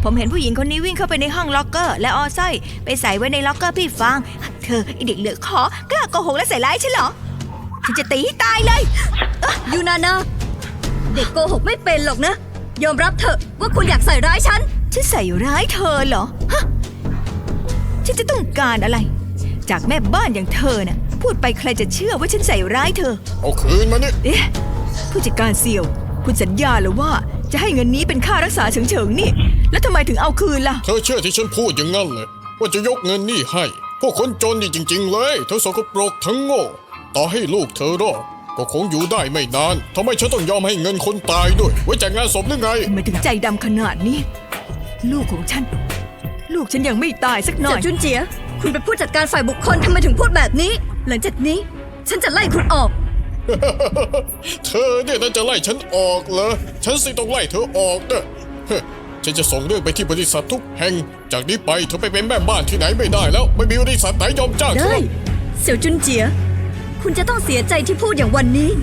ผมเห็นผู้หญิงคนนี้วิ่งเข้าไปในห้องล็อกเกอร์และเอาสร้อยไปใส่ไว้ในล็อกเกอร์พี่ฟางเธอไอเด็กเหลือขอกล้าโกหกและใส่ร้ายฉันเหรอฉันจะตีให้ตายเลยยูนานาเด็กโกหกไม่เป็นหรอกนะยอมรับเถอะว่าคุณอยากใส่ร้ายฉันใส่ร้ายเธอเหรอฮะฉันจะต้องการอะไรจากแม่บ้านอย่างเธอน่ะพูดไปใครจะเชื่อว่าฉันใส่ร้ายเธอเอาคืนมานี่เอ๊ะผู้จัดการเสี่ยวคุณสัญญาหรือว่าจะให้เงินนี้เป็นค่ารักษาเฉิงๆนี่แล้วทำไมถึงเอาคืนล่ะเธอเชื่อที่ฉันพูดอย่างนั้นเลยว่าจะยกเงินนี่ให้พวกคนจนนี่จริงๆเลยเธอสกปรกทั้งโง่ต่อให้ลูกเธอรอดก็คงอยู่ได้ไม่นานทำไมฉันต้องยอมให้เงินคนตายด้วยไว้จ่ายงานศพหรือไงทำไมถึงใจดำขนาดนี้ลูกของฉันยังไม่ตายสักหน่อยเสี่ยวจุนเจียคุณเป็นผู้จัดการฝ่ายบุคคลทำไมถึงพูดแบบนี้หลังจากนี้ฉันจะไล่คุณออกเธอเนี่ยน่าจะไล่ฉันออกเหรอฉันสิต้องไล่เธอออกนะฉันจะส่งเรื่องไปที่บริษัททุกแห่งจากนี้ไปเธอไปเป็นแม่บ้านที่ไหนไม่ได้แล้วไม่มีบริษัทไหนยอมจ้างเธอได้เสี่ยวจุนเจียคุณจะต้องเสียใจที่พูดอย่างวันนี้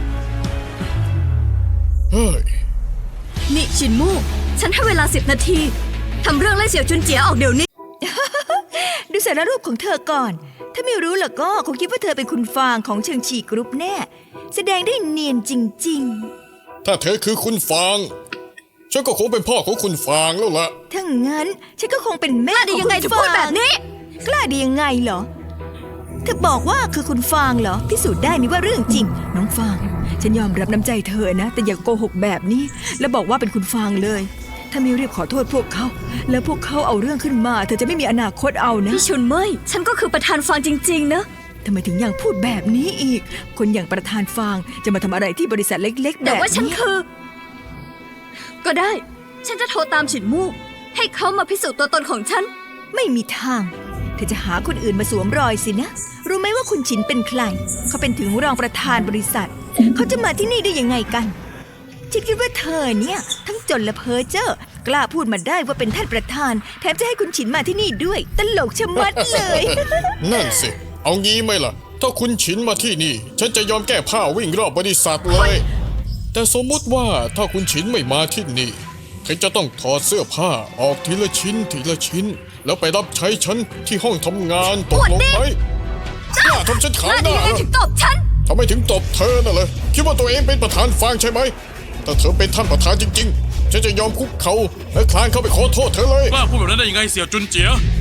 เฮ้ยนี่ชินมู่ฉันให้เวลา10 นาทีทำเรื่องไล่เสี่ยวจุนเจียออกเดี๋ยวนี้ดูสารรูปของเธอก่อนถ้าไม่รู้ล่ะก็คงคิดว่าเธอเป็นคุณฟางของเชิงฉีกรุ๊ปแน่แสดงได้เนียนจริงๆถ้าเธอคือคุณฟางฉันก็คงเป็นพ่อของคุณฟางแล้วล่ะถ้างั้นฉันก็คงเป็นแม่ของคุณฟางกล้าดียังไงจะพูดแบบนี้กล้าดียังไงเหรอเธอบอกว่าคือคุณฟางเหรอพิสูจน์ได้นี่ว่าเรื่องจริงน้องฟางฉันยอมรับน้ำใจเธอนะแต่อย่าโกหกแบบนี้แล้วบอกว่าเป็นคุณฟางเลยถ้าไม่รีบขอโทษพวกเขาแล้วพวกเขาเอาเรื่องขึ้นมาเธอจะไม่มีอนาคตเอานะพี่ชุนเมยฉันก็คือประธานฟางจริงๆนะทำไมถึงยังพูดแบบนี้อีกคนอย่างประธานฟางจะมาทำอะไรที่บริษัทเล็กๆแบบนี้แต่ว่าฉันคือก็ได้ฉันจะโทรตามฉินมู่ให้เขามาพิสูจน์ตัวตนของฉันไม่มีทางเธอจะหาคนอื่นมาสวมรอยสินะรู้ไหมว่าคุณฉินเป็นใครเขาเป็นถึงรองประธานบริษัทเขาจะมาที่นี่ได้ยังไงกันฉันคิดว่าเธอเนี่ยทั้งจนและเพ้อเจ้อกล้าพูดมาได้ว่าเป็นท่านประธานแถมจะให้คุณฉินมาที่นี่ด้วยตลกชะมัดเลยนั่นสิเอางี้ไหมล่ะถ้าคุณฉินมาที่นี่ฉันจะยอมแก้ผ้าวิ่งรอบบริษัทเลยแต่สมมุติว่าถ้าคุณฉินไม่มาที่นี่เธอจะต้องถอดเสื้อผ้าออกทีละชิ้นทีละชิ้นแล้วไปรับใช้ฉันที่ห้องทำงานตกลงไหมกล้าทำฉันขายหน้าถึงตบฉันทำไมถึงตบเธอน่ะเลยคิดว่าตัวเองเป็นประธานฟางใช่ไหมถ้าเธอเป็นท่านประธานจริงๆฉันจะยอมคุกเข่าและคลานเข้าไปขอโทษเธอเลยกล้าพูดแบบนั้นได้ยังไงเสี่ยวจุนเจีย